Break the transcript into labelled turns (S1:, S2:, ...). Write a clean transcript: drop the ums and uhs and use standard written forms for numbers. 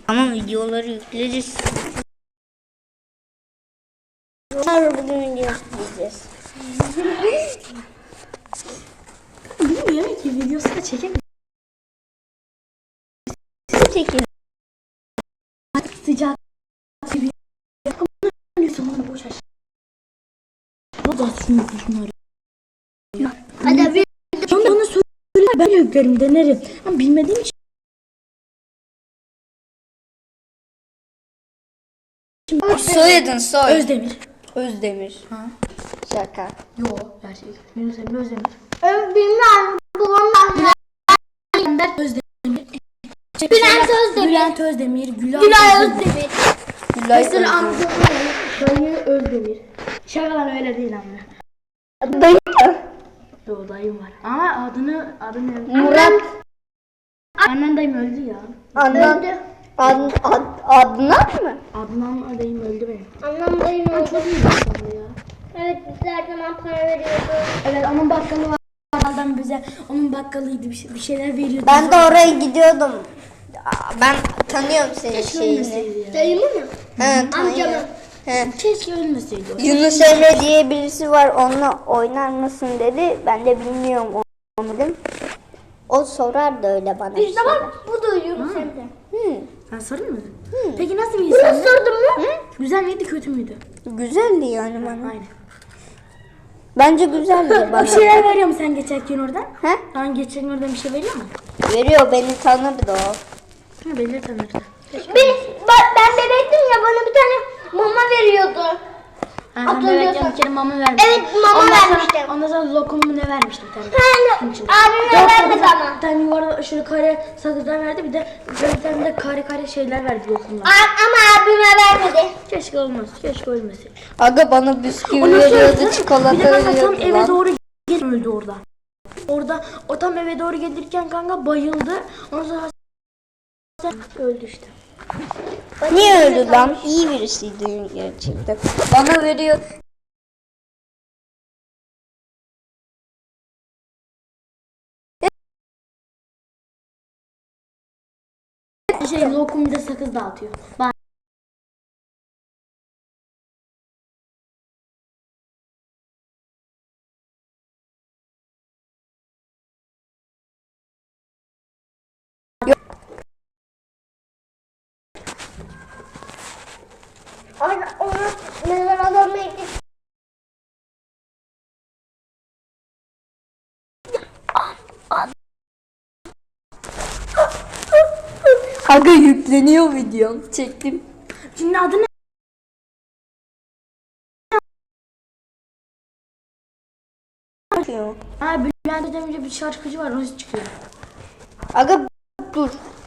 S1: Ama videoları yükleyeceğiz. Bugün video yükleyeceğiz.
S2: Bilmiyorum yemek videosu da çekelim.
S1: Çekin.
S2: Sıcak. Sonra boş aç. Bu da şunları.
S1: Hadi bir
S2: Onu söyle ben yüklerim denerim. Ama bilmediğim için.
S1: soyadın soy.
S2: Özdemir.
S1: Özdemir.
S2: Ha?
S1: Şaka.
S2: Yo gerçek. Yunus Emre Özdemir.
S1: Bilmem. Babamdan.
S2: Özdemir.
S1: Bülent Özdemir.
S2: Bülent Özdemir.
S1: Gülay Özdemir. Gülay
S2: Mesela
S1: Özdemir.
S2: Dayı Özdemir. Şakalar öyle değil ama.
S1: Dayı.
S2: Yo dayım var. Ama adını
S1: Murat.
S2: Annen dayım öldü ya.
S1: Adnan. Adnan mı?
S2: Adnan dayım öldü benim.
S1: Adnan dayım
S2: Çok iyi bir insandı ya.
S1: Evet biz her zaman para veriyordu.
S2: Evet onun bakkalı var. Adam bize onun bakkalıydı bir şeyler veriyordu.
S1: Ben de oraya gidiyordum. Ben tanıyorum senin
S2: Keşke
S1: şeyini.
S2: ölmeseydi ya.
S1: Dayımı mı? He tanıyorum. He.
S2: Keşke ölmeseydi o.
S1: Yunus Emre diye birisi var, onunla oynar mısın dedi. Ben de bilmiyorum onu dedim. O sorar da öyle bana.
S3: İşte bak bu da Yunus Emre.
S2: Sen sorayım mı? Peki nasıl bir insandı?
S3: Sordun mu?
S2: Güzel miydi kötü müydü?
S1: Güzeldi yani bana.
S2: Aynen.
S1: Bence güzeldi bana.
S2: Bir şeyler veriyor mu sen geçerken oradan?
S1: He?
S2: Sen geçerken oradan bir şey veriyor mu?
S1: Veriyor, beni tanırdı o.
S2: Ha belli tanırdı.
S3: Ben bebektim ya bana bir tane mama veriyordu.
S2: Ben
S3: Hatırlıyorsan.
S2: bebekken bir kere mama vermiştim.
S3: Evet, mama
S2: Ondan sonra-
S3: vermiştim.
S2: Ondan sonra lokum mu ne vermiştim bir tane.
S3: Yani abime vermedi ama.
S2: Bir tane yuvarlak şöyle kare sakızlar verdi bir de bir tane de kare şeyler verdi lokumlar.
S3: Ama abime vermedi.
S2: Keşke olmaz. Keşke ölmeseydi.
S1: Aga bana bisküvi
S2: Ondan sonra
S1: veriyordu, çikolata
S2: bir de kanka tam
S1: veriyordu
S2: eve
S1: lan.
S2: doğru öldü orada. Orada o tam eve doğru gelirken kanka bayıldı. Ondan sonra öldü işte.
S1: Niye öldü lan? İyi birisiydi gerçekten. Bana veriyor.
S2: Lokum bir de sakız dağıtıyor. Bak.
S3: Onu mezar adamına gittik.
S1: Aga yükleniyor videom. Çektim.
S2: Şimdi adı ne? Ha Bülent Özdemir bir şarkıcı var. O çıkıyor.
S1: Aga dur.